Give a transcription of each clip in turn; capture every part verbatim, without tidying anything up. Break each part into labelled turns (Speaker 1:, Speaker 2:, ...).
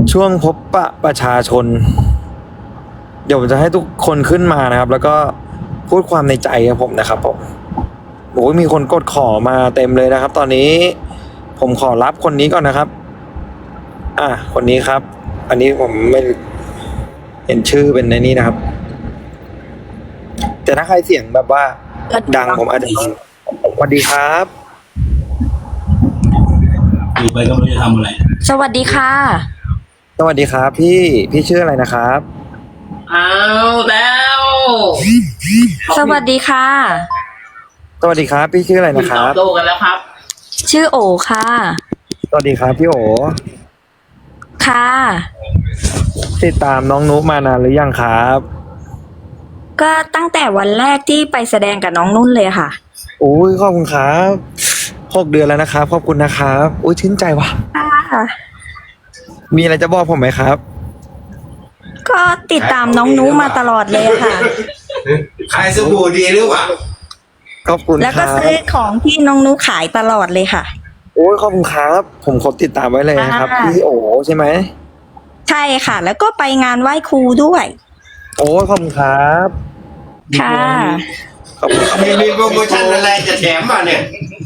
Speaker 1: ช่วงพบปะประชาชน เดี๋ยวผมจะให้ทุกคนขึ้นมานะครับ แล้วก็พูดความในใจกับผมนะครับผมโอ้ยมีคนกดขอมาเต็มเลยนะครับ ตอนนี้ผมขอรับคนนี้ก่อนนะครับ อ่ะคนนี้ครับ อันนี้ผมไม่เห็นชื่อเป็นในนี้นะครับ แต่ถ้าใครเสียงแบบว่าดังผมอาจจะสวัสดีครับ
Speaker 2: อยู่ไปก็ไม่รู้จะทำอะไร
Speaker 3: สวัสดีค่ะ
Speaker 1: สวัสดีครับ พี่พี่ชื่ออะไรนะครับ
Speaker 4: เอาแล้ว
Speaker 3: สวัสดีค่ะ
Speaker 1: สวัสดีครับ พี่ชื่ออะไร
Speaker 4: คุ
Speaker 1: นะ
Speaker 4: ณ
Speaker 1: ค
Speaker 4: ตอ
Speaker 1: รั
Speaker 4: บบ โต้กันแล้วครับ
Speaker 3: ชื่อโอค่ะ
Speaker 1: สวัสดีครับพี่โอ
Speaker 3: ค่ะ
Speaker 1: ติดตามน้องนุมานานหรือยังครับ
Speaker 3: ก็ตั้งแต่วันแรกที่ไปแสดงกับน้องนุ่นเลยค่ะ
Speaker 1: โอ้ยขอบคุณครับหกเดือนแล้วนะครับขอบคุณนะครับโอ้ยชื่นใจว่ะ
Speaker 3: ค่ะ
Speaker 1: มีอะไรจะบอกผมไหมครับ
Speaker 3: ก็ติดตามน้องนุมาตลอดเลยค่ะ
Speaker 2: ขายสบู่ดีหรือเปล่า
Speaker 1: ขอบคุณ
Speaker 3: แล้ว
Speaker 1: ค
Speaker 3: ก็
Speaker 1: รับ
Speaker 3: ซื้อของที่น้องนุขายตลอดเลยค่ะ
Speaker 1: โอ้ยขอบคุณครับ ผมขอติดตามไว้เลยนะครับ
Speaker 3: อ่า
Speaker 1: พี่โอใช่ไหม
Speaker 3: ใช่ค่ะ แล้วก็ไปงานไหว้ครูด้วย
Speaker 1: โอ้ยขอบคุณครับ
Speaker 3: ค่ะ
Speaker 1: ขอบคุณครับ
Speaker 2: มีมีโปรโมชั่นอะไรจะแถมมาเนี่ย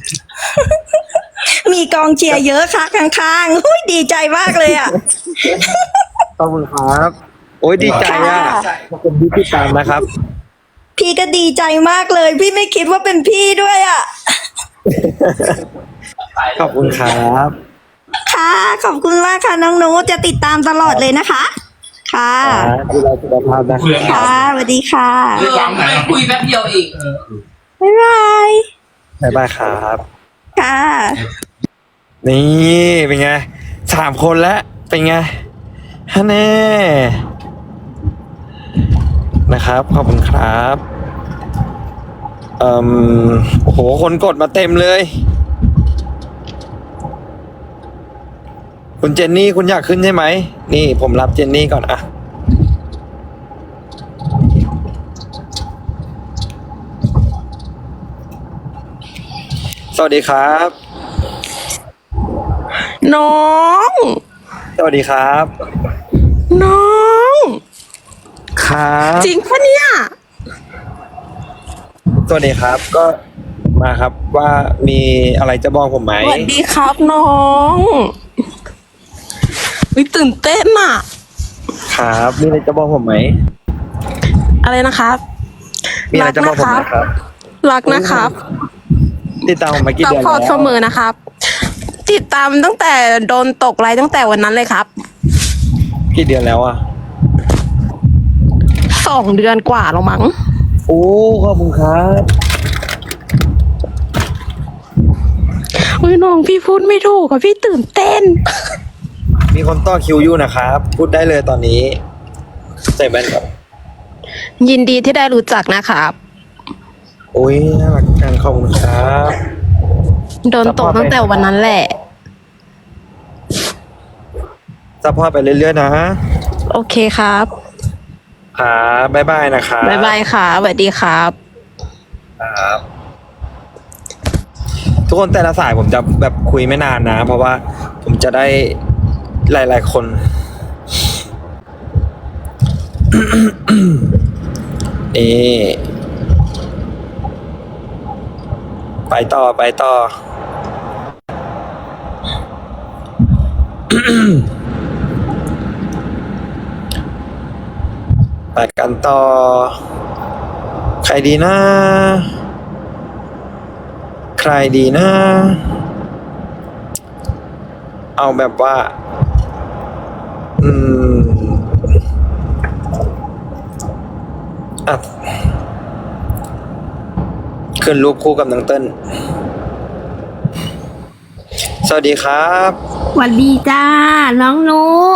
Speaker 3: มีกองเชียร์เยอะค่ะข้างๆอุ้ยดีใจมากเลยอ่ะ
Speaker 1: ขอบคุณครับ โอ้ยดีใจอ่ะ
Speaker 3: ค่ะ
Speaker 1: ขอบคุณที่ติดตามนะครับ
Speaker 3: พี่ก็ดีใจมากเลย พี่ไม่คิดว่าเป็นพี่ด้วยอ่ะ
Speaker 1: ขอบคุณครับ
Speaker 3: ค่ะ ขอบคุณมากค่ะน้องนุจะติดตามตลอดเลยนะคะ ค่ะ
Speaker 1: ดูแลสุขภาพนะ
Speaker 2: คุยกัน
Speaker 3: ค่ะสวัสดีค่ะ
Speaker 4: เออไม่คุยแป๊บเดียวอีก
Speaker 3: บ๊ายบาย
Speaker 1: บ๊ายบายครับ
Speaker 3: ค่ะ
Speaker 1: นี่เป็นไงสามคนแล้วเป็นไงฮะแน่นะครับ ขอบคุณครับเอ่มโอ้โหคนกดมาเต็มเลย คุณเจนนี่คุณอยากขึ้นใช่ไหมนี่ผมรับเจนนี่ก่อนอะสวัสดีครับ
Speaker 5: น้อง
Speaker 1: สวัสดีครับ
Speaker 5: น้อง
Speaker 1: ครับ
Speaker 5: จริงปะเนี่ย
Speaker 1: สวัสดีครับ ก็มาครับว่ามีอะไรจะบอกผมไหม
Speaker 5: สวัสดีครับน้องวิตื่นเต้นอะ
Speaker 1: ครับมีอะไรจะบอกผมไหม
Speaker 5: อะไรนะครับ
Speaker 1: มีอะไรจะบอกผมไหมครับ
Speaker 5: รักนะครับ
Speaker 1: ติดตามผมมากี่
Speaker 5: ซัพ
Speaker 1: เดือน
Speaker 5: พอร์ต
Speaker 1: แล้ว
Speaker 5: เสมอนะครับ ติดตามตั้งแต่โดนตกไลน์ตั้งแต่วันนั้นเลยครับ
Speaker 1: กี่เดือนแล้วอ่ะ
Speaker 5: สองเดือนกว่าแล้วมั้ง
Speaker 1: โอ้ขอบคุณครับ
Speaker 5: อุ้ยน้องพี่พูดไม่ถูกอะพี่ตื่นเต้น
Speaker 1: มีคนต่อคิวอยู่นะครับ พูดได้เลยตอนนี้ใส่แว่นก่อน
Speaker 5: ยินดีที่ได้รู้จักนะครับ
Speaker 1: โอ้ยน่ารักจังขอบคุณครับ
Speaker 5: โดนตกตั้งแต่วันนั้นแหละ
Speaker 1: ซัพพอร์ตไปเรื่อยๆนะ
Speaker 5: โอเคครับ
Speaker 1: ครับบ๊ายบายนะครับ
Speaker 5: บ๊ายบายค่ะสวัสดีครับ
Speaker 1: ครับทุกคนแต่ละสายผมจะแบบคุยไม่นานนะ เพราะว่าผมจะได้หลายๆคน นี่ไปต่อไปต่อ ไปกันต่อ ใครดีนะ ใครดีนะ เอาแบบว่า อืมอ่ะขึ้นรูปคู่กับน้องเติ้ลสวัสดีครับ
Speaker 6: สวัสดีจ้า น้องนุ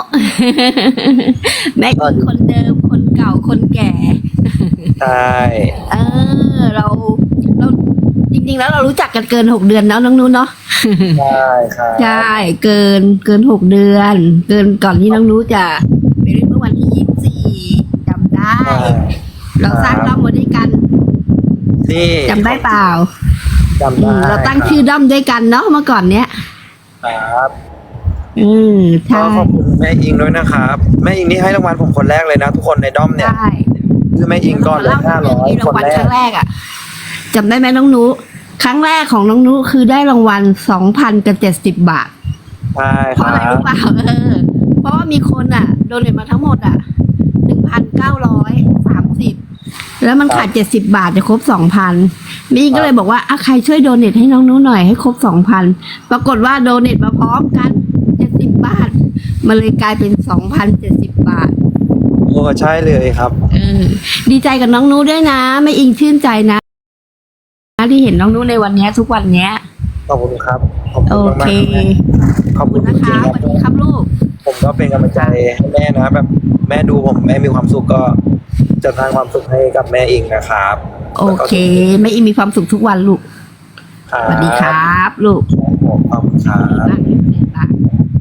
Speaker 6: แม็กซ์คนเดิมคนเก่าคนแก่
Speaker 1: ใช่
Speaker 6: เออ เราเราจริงๆแล้วเรารู้จักกันเกินหกเดือนแล้วน้องนุเนาะ
Speaker 1: ใช่ครับ
Speaker 6: ใช่ เกินเกินหกเดือน เกินก่อนที่น้องนุจะไปเล่นเมื่อวันที่ยี่สิบสี่จำได้
Speaker 1: ใช่
Speaker 6: เราสร้างด้อมมาด้วยกัน
Speaker 1: นี่
Speaker 6: จำได้เปล่า
Speaker 1: จำได้
Speaker 6: เราตั้งชื่อด้อมด้วยกันเนาะเมื่อก่อนเนี้ย
Speaker 1: ครับ
Speaker 6: เอเออ
Speaker 1: ก็
Speaker 6: ใช่
Speaker 1: ขอบคุณแม่อิงด้วยนะครับแม่อิงนี่ให้รางวัลผมคนแรกเลยนะทุกคนในด้อมเนี่ย
Speaker 6: ใช่
Speaker 1: คือแม่อิงก่อนเลยห้าร้อย
Speaker 6: มี
Speaker 1: ค
Speaker 6: ราง
Speaker 1: น
Speaker 6: วัล
Speaker 1: แร
Speaker 6: ค
Speaker 1: ก
Speaker 6: รั้งแรกอ่ะจำได้ไหมน้องนุครั้งแรกของน้องนุคือได้รางวัลสองพันกับเจ็ดสิบบาท
Speaker 1: ใช่
Speaker 6: เพ
Speaker 1: ค
Speaker 6: ราะ
Speaker 1: รั
Speaker 6: อะไร
Speaker 1: บ
Speaker 6: รู้เปล่าเออ เพราะว่ามีคนอ่ะ โดเนทมาทั้งหมดอ่ะหนึ่งพันเก้าร้อยสามสิบแล้วมันขาดเจ็ดสิบบาทจะครบสองพันมีก็เลยบอกว่าอ่ะใครช่วยโดเนทให้น้องนุหน่อยให้ครบสองพันปรากฏว่าโดเนทมาพร้อมกันเจ็ดสิบบาทมันเลยกลายเป็นสองพันเจ็ดสิบบาท
Speaker 1: โอ้ใช่เลยครับ
Speaker 6: เออ ดีใจกับน้องนุด้วยนะ ไม่อิงชื่นใจนะที่เห็นน้องนุในวันเนี้ย ทุกวันเนี้ย
Speaker 1: ขอบคุณครับขอบคุ
Speaker 6: โอ
Speaker 1: ณมาก
Speaker 6: เค
Speaker 1: ๆครับแม่ขอบ
Speaker 6: ขอบ
Speaker 1: คุ
Speaker 6: คุณ ณ
Speaker 1: จ
Speaker 6: นะ
Speaker 1: ริง
Speaker 6: คะ
Speaker 1: ๆ
Speaker 6: สวัสดีครับลูก
Speaker 1: ผมก็เป็นกำลังใจให้แม่นะแบบแม่ดูผมแม่มีความสุขก็จะสร้างความสุขให้กับแม่อิงนะครับ
Speaker 6: โอเคไม่อิงมีความสุขทุกวันลูก
Speaker 1: ครับ
Speaker 6: สวัสดีครับ ลูก
Speaker 1: ผมขอบคุณครับ
Speaker 6: รักเด็กรัก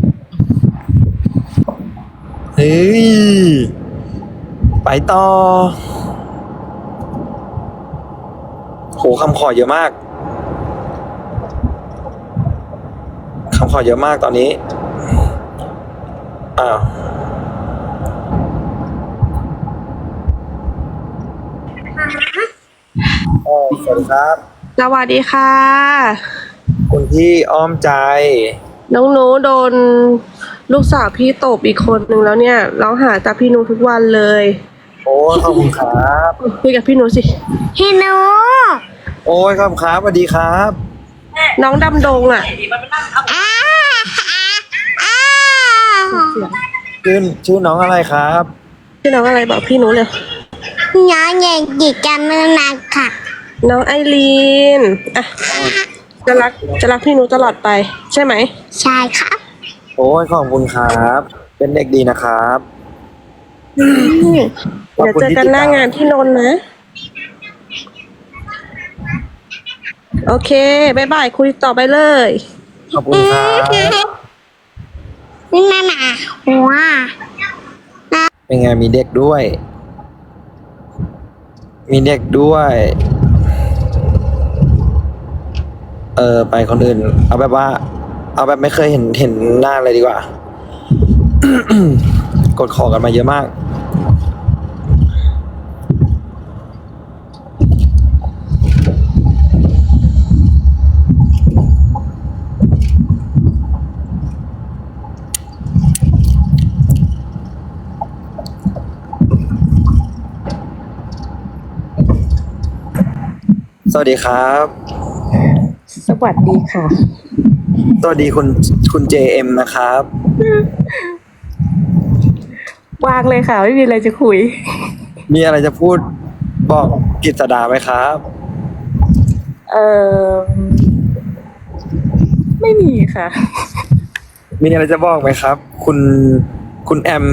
Speaker 1: เฮ้ยไปต่อโหคำขอเยอะมากคำขอเยอะมากตอนนี้อ้าวอ๋อสวัสดีครับ
Speaker 5: สวัสดีค่ะ
Speaker 1: คุณพี่อ้อมใจ
Speaker 5: น้องหนูโดนลูกสาวพี่ตบอีกคนนึงแล้วเนี่ยร้องหาจากพี่หนูทุกวันเลย
Speaker 1: โอ้ยขอบคุณครับ
Speaker 5: คุยกับพี่หนูสิ
Speaker 3: พี่นุ
Speaker 1: โอ้ยขอบคุณครับสวัสดีครับ
Speaker 5: น้องดำดงอ่ะ
Speaker 3: อ้าอ้า
Speaker 1: ชื่อชื่อน้องอะไรครับ
Speaker 5: พี่น้องอะไรบอกพี่หนูเลย
Speaker 3: น้องยังจิกกันมือหนักค่ะ
Speaker 5: น้องไอรีนอ่ะจะรักจะรักพี่หนูตลอดไป ใช่ไหม
Speaker 3: ใช่ครับ
Speaker 1: โอ้ยขอบคุณครับ เป็นเด็กดีนะครับ
Speaker 5: เดี๋ยวเจอกันหน้างานที่นนท์นะ โอเคบายบายคุยต่อไปเลย
Speaker 1: ขอบคุณครับ
Speaker 3: นี่นานาหัว
Speaker 1: เป็นไงมีเด็กด้วย มีเด็กด้วย เออไปคนอื่น เอาแบบว่า เอาแบบไม่เคยเห็นเห็นหน้าเลยดีกว่า กดขอกันมาเยอะมาก สวัสดีครับ
Speaker 5: สวัสดีค่ะ
Speaker 1: สวัสดีคุณคุณเจเอ็มนะครับ
Speaker 5: วางเลยค่ะ ไม่มีอะไรจะคุย
Speaker 1: มีอะไรจะพูดบอกกิตดาไหมครับ
Speaker 5: เออไม่มีค่ะ
Speaker 1: มีอะไรจะบอกไหมครับ คุณคุณแอม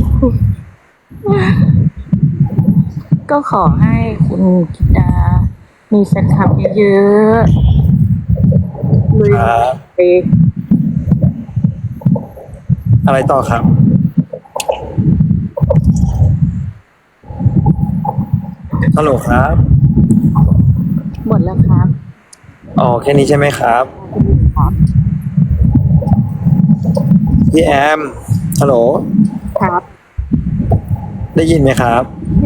Speaker 7: ก็ขอให้คุณกิตา มีแฟนคลับเยอะๆลุย
Speaker 1: ครับ
Speaker 7: ไป
Speaker 1: อะไรต่อครับ ฮัลโหลครับ
Speaker 7: หมดแล้วครับ
Speaker 1: อ๋อแค่นี้ใช่ไหมครับ
Speaker 7: ครับ
Speaker 1: พี่แอม ฮัลโหล
Speaker 7: ครับ
Speaker 1: ได้ยินไหมครับ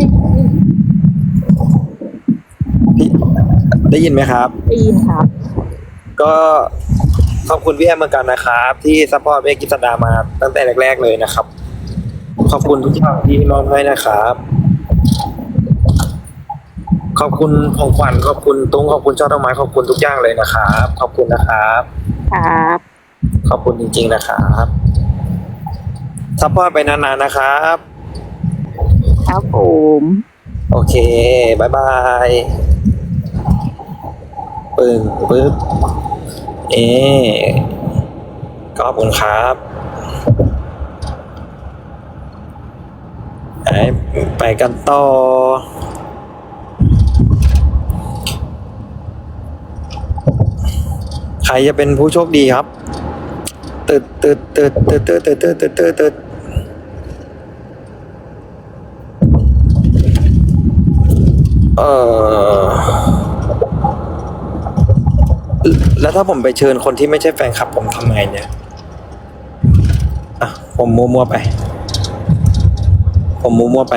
Speaker 1: พี่ได้ยินไหมครับ
Speaker 7: ได้ยินครับ
Speaker 1: ก็ขอบคุณพี่แอมเหมือนกันนะครับ ที่ซัพพอร์ตเมกิตดามาตั้งแต่แรกๆเลยนะครับ ขอบคุณทุกอย่างที่มอบให้นะครับ ขอบคุณของขวัญขอบคุณตุ้งขอบคุณช่อดอกไม้ขอบคุณทุกอย่างเลยนะครับ ขอบคุณนะครับ
Speaker 7: ครับ
Speaker 1: ขอบคุณจริงๆนะครับซัพพอร์ตไปนานๆนะครับ
Speaker 7: ครับผม
Speaker 1: โอเคบายบายปึ้งปึ๊บเอ๊ขอบคุณครับไปไปกันต่อ ใครจะเป็นผู้โชคดีครับตึดตึดตึดตึดตึดตึดตึดตึดตึดตึดเออแล้วถ้าผมไปเชิญคนที่ไม่ใช่แฟนคลับผมทำไงเนี่ยผมมั่วๆไป ผมมั่วๆไป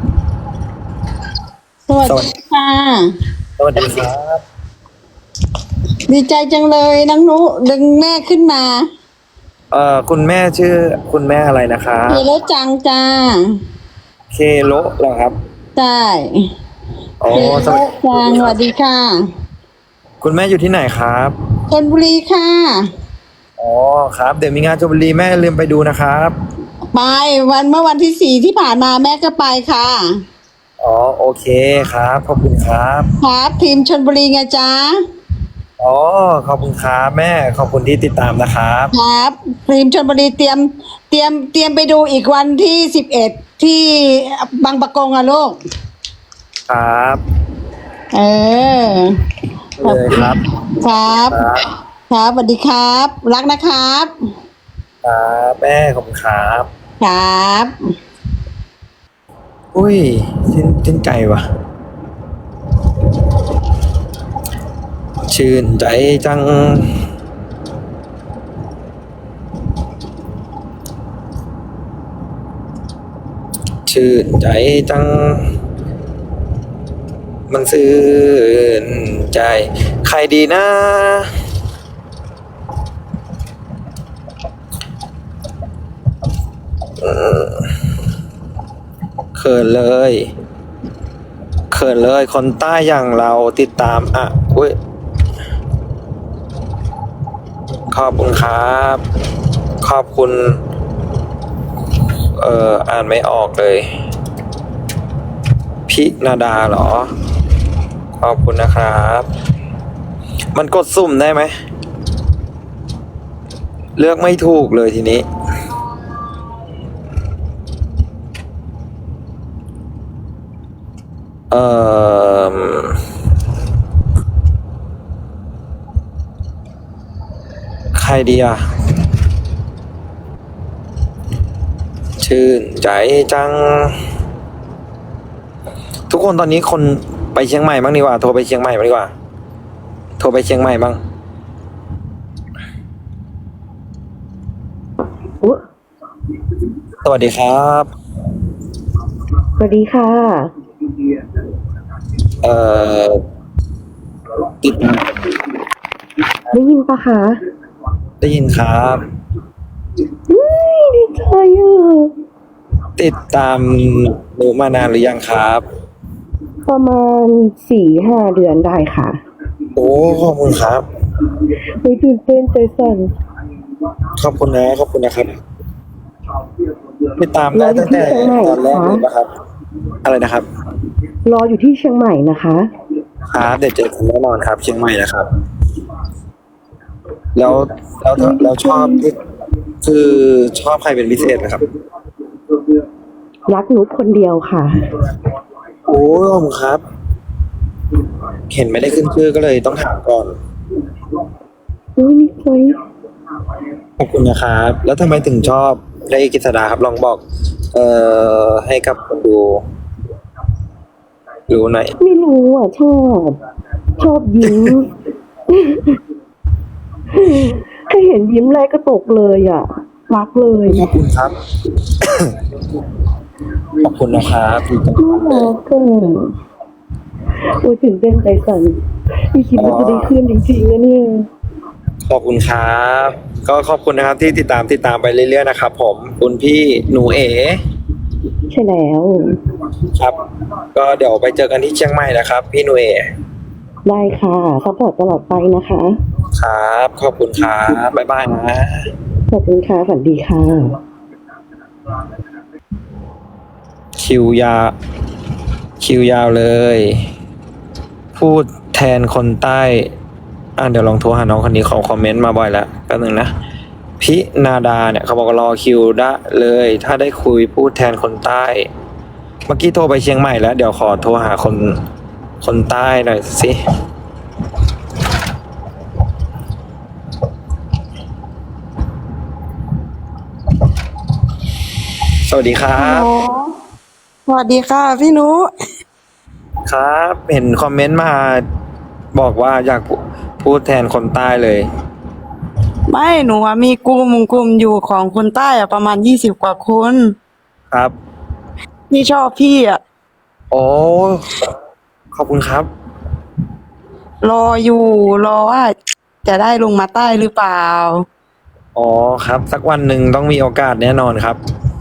Speaker 8: สวัสดีค่ะ
Speaker 1: สวัสดีครับ
Speaker 8: ดีใจจังเลยน้องนุดึงแม่ขึ้นมา
Speaker 1: เอ่อคุณแม่ชื่อคุณแม่อะไรนะครับ
Speaker 8: เฮโลจังจ้า
Speaker 1: เคโลเหรอครับ
Speaker 8: ใช่
Speaker 1: โอ้
Speaker 8: เฮโล
Speaker 1: สวัสดี
Speaker 8: จังสวัสดีค่ะ
Speaker 1: คุณแม่อยู่ที่ไหนครับ
Speaker 8: ชลบุรีค่ะ
Speaker 1: อ๋อครับเดี๋ยวมีงานชลบุรีแม่อย่าลืมไปดูนะครับ
Speaker 8: ไปวันเมื่อวันที่สี่ที่ผ่านมาแม่ก็ไปค่ะ
Speaker 1: อ๋อโอเคครับขอบคุณครับ
Speaker 8: ครับทีมชลบุรีไงจ้า
Speaker 1: อ๋อขอบคุณครับแม่ขอบคุณที่ติดตามนะครับ
Speaker 8: ครับทีมชลบุรีเตรียมเตรียมเตรียมไปดูอีกวันที่สิบเอ็ดที่บางปะกงอะลูก
Speaker 1: ครับ
Speaker 8: เออ
Speaker 1: เลยครับ
Speaker 8: ครับ
Speaker 1: ครับ
Speaker 8: ครับสวัสดีครับ รักนะครับ
Speaker 1: ครับแม่ขอบคุณครับ
Speaker 8: ครับ
Speaker 1: อุ้ยชื่นชื่นใจว่ะ ชื่นใจจัง ชื่นใจจัง มันซื่นใจ ใครดีนะ เขินเลยเขินเลยคนใต้อย่างเราติดตามอ่ะอุ้ยขอบคุณครับ ขอบคุณ เอ่ออ่านไม่ออกเลย พินาดาเหรอ ขอบคุณนะครับ มันกดสุ่มได้ไหม เลือกไม่ถูกเลยทีนี้ เอ่อใครดีอ่ะ ชื่นใจจัง ทุกคนตอนนี้คนไปเชียงใหม่บ้างดีกว่า โทรไปเชียงใหม่บ้างดีกว่า โทรไปเชียงใหม่บ้างสวัสดีครับ
Speaker 5: สวัสดีค่ะ
Speaker 1: เอ่อติด
Speaker 5: ได้ยินปะคะ
Speaker 1: ได้ยินครับ
Speaker 5: ดีใจอ่ะ
Speaker 1: ติดตามหนูมานานหรือยังครับ
Speaker 5: ประมาณสี่ห้าเดือนได้ค่ะ
Speaker 1: โอ้ขอบคุณครับ
Speaker 5: ไม่ตื่นเต้นใจสั่น
Speaker 1: ขอบคุณนะขอบคุณนะครับติดตามได้ตั้งแต่ตอนแรกเลยนะครับ อะไรนะครับ
Speaker 5: รออยู่ที่เชียงใหม่นะคะ
Speaker 1: ครับเดี๋ยวเจอกันแน่นอนครับ เชียงใหม่นะครับ แล้วแล้วแล้วชอบที่คือชอบใครเป็นพิเศษนะครับ
Speaker 5: รักนุชคนเดียวค่ะ
Speaker 1: โอ้ขอบคุณครับ เห็นไม่ได้ขึ้นชื่อก็เลยต้องถามก่อน
Speaker 5: อุ้ยนี่ใจ
Speaker 1: ขอบคุณนะครับ แล้วทำไมถึงชอบได้กฤษดาครับลองบอก เอ่อให้กับคนดูรู้หน่อย
Speaker 5: ไม่รู้อ่ะ ชอบ ชอบยิ้ม แค่เห็นยิ้มแรกก็ตกเลยอ่ะ รักเลย
Speaker 1: ขอบคุณครับ ขอบคุณนะครับดีจัง
Speaker 5: น่ารักอ่ะโอ้ยตื่นเต้นใจสั่นไม่คิดว่าจะได้ขึ้นจริงๆนะเนี่ย
Speaker 1: ขอบคุณครับ ก็ขอบคุณนะครับที่ติดตามติดตามไปเรื่อยๆนะครับผมคุณพี่หนูเอ๋
Speaker 5: ใช่แล้ว
Speaker 1: ครับ ก็เดี๋ยวไปเจอกันที่เชียงใหม่นะครับ พี่หนูเอ๋
Speaker 5: ได้ค่ะซัพพอร์ตตลอดไปนะคะ
Speaker 1: ครับ ขอบคุณครับบ๊ายบายนะ
Speaker 5: ขอบคุณค่ะฝันดีค่ะ
Speaker 1: คิวยาวคิวยาวเลย พูดแทนคนใต้อ่ะเดี๋ยวลองโทรหาน้องคนนี้เขาคอมเมนต์มาบ่อยแล้วแป๊บนึงนะพินาดาเนี่ยเขาบอกว่ารอคิวได้เลย ถ้าได้คุยพูดแทนคนใต้ เมื่อกี้โทรไปเชียงใหม่แล้ว เดี๋ยวขอโทรหาคนคนใต้หน่อยสิสวัสดีครับ
Speaker 8: สวัสดีค่ะพี่นุ
Speaker 1: ครับ เห็นคอมเมนต์มาบอกว่าอยากพูพูดแทนคนใต้เลย
Speaker 8: ไม่หนูอะมีกลุ่มกลุ่มอยู่ของคนใต้อะประมาณยี่สิบกว่าคน
Speaker 1: ครับ
Speaker 8: ที่ชอบพี่อะ
Speaker 1: โอ้ขอบคุณครับ
Speaker 8: รออยู่รอว่าจะได้ลงมาใต้หรือเปล่า
Speaker 1: อ๋อครับ สักวันหนึ่งต้องมีโอกาสแน่นอนครับ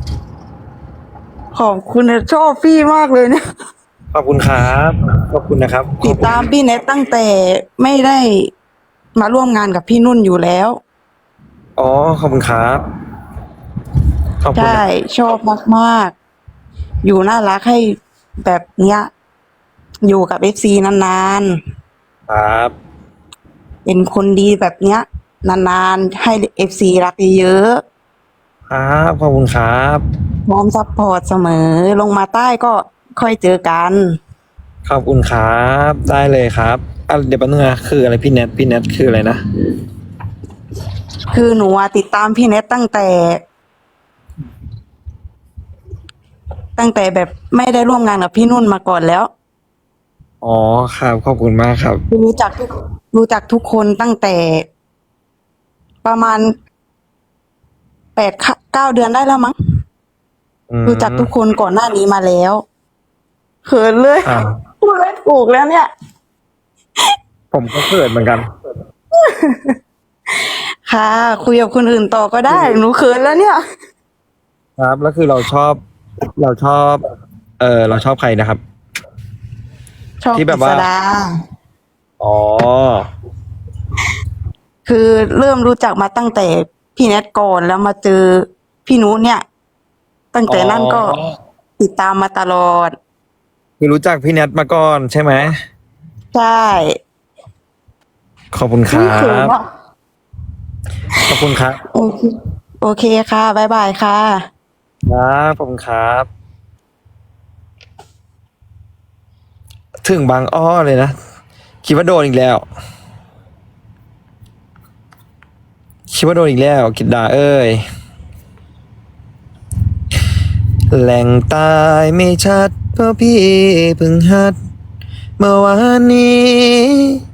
Speaker 8: ขอบคุณนะชอบพี่มากเลยนะ
Speaker 1: ขอบคุณครับขอบคุณนะครับ
Speaker 8: ติดตามพี่เน็ตตั้งแต่ไม่ได้มาร่วมงานกับพี่นุ่นอยู่แล้ว
Speaker 1: อ๋อขอบคุณครับขอบคุณ
Speaker 8: ใช่
Speaker 1: นะ
Speaker 8: ชอบมากๆ อยู่น่ารักให้แบบเนี้ย อยู่กับเอฟซีนาน
Speaker 1: ครับ
Speaker 8: ๆ เป็นคนดีแบบเนี้ย นานๆ ให้เอฟซีรักเยอะ
Speaker 1: ครับขอบคุณครับ
Speaker 8: ๆพร้อมซัพพอร์ตเสมอ ลงมาใต้ก็ค่อยเจอกัน
Speaker 1: ขอบคุณครับได้เลยครับอ่ะเดี๋ยวแป๊บนึงนะคืออะไรพี่เน็ตพี่เน็ตคืออะไรนะ
Speaker 8: คือหนูอะติดตามพี่เน็ตตั้งแต่ ตั้งแต่แบบไม่ได้ร่วมงานกับพี่นุ่นมาก่อนแล้ว
Speaker 1: อ๋อครับขอบคุณมากครับ
Speaker 8: รู้จักทุกรู้จักทุกคนตั้งแต่ ประมาณแปดเก้าเดือนได้แล้วมั้ง
Speaker 1: อืม
Speaker 8: รู้จักทุกคนก่อนหน้านี้มาแล้วเขินเลย
Speaker 1: อ่า
Speaker 8: พูดไม่ถูกแล้วเนี่ย
Speaker 1: ผมก็เกิดเหมือนกัน
Speaker 8: ค่ะ คุยกับคนอื่นต่อก็ได้ หนูเขินแล้วเนี่ย
Speaker 1: ครับแล้วคือเราชอบ เราชอบ เออเราชอบใครนะครับ
Speaker 8: ชอบ
Speaker 1: ที่แบบ
Speaker 8: กฤ
Speaker 1: ว่า
Speaker 8: ษดา
Speaker 1: อ๋อ
Speaker 8: คือเริ่มรู้จักมาตั้งแต่พี่แนทก่อนแล้วมาเจอพี่นุเนี่ย ตั้งแต่นั้นก็
Speaker 1: อ๋อ
Speaker 8: ติดตามมาตลอด
Speaker 1: คือรู้จักพี่เน็ตมาก่อนใช่ไหม
Speaker 8: ใช่
Speaker 1: ขอบคุณค
Speaker 8: อุ๊ย
Speaker 1: รั
Speaker 8: เขิน
Speaker 1: บ
Speaker 8: อะ
Speaker 1: ขอบคุณครับ
Speaker 8: โอเคโอเคค่ะบ๊ายบายค่ะ
Speaker 1: ครับขอบคุณครับ ถึงบางอ้อเลยนะ คิดว่าโดนอีกแล้ว คิดว่าโดนอีกแล้วกิดดาเอ้ย แหล่งตายไม่ชัดเพราะพี่เพิ่งหัด เมื่อวานนี้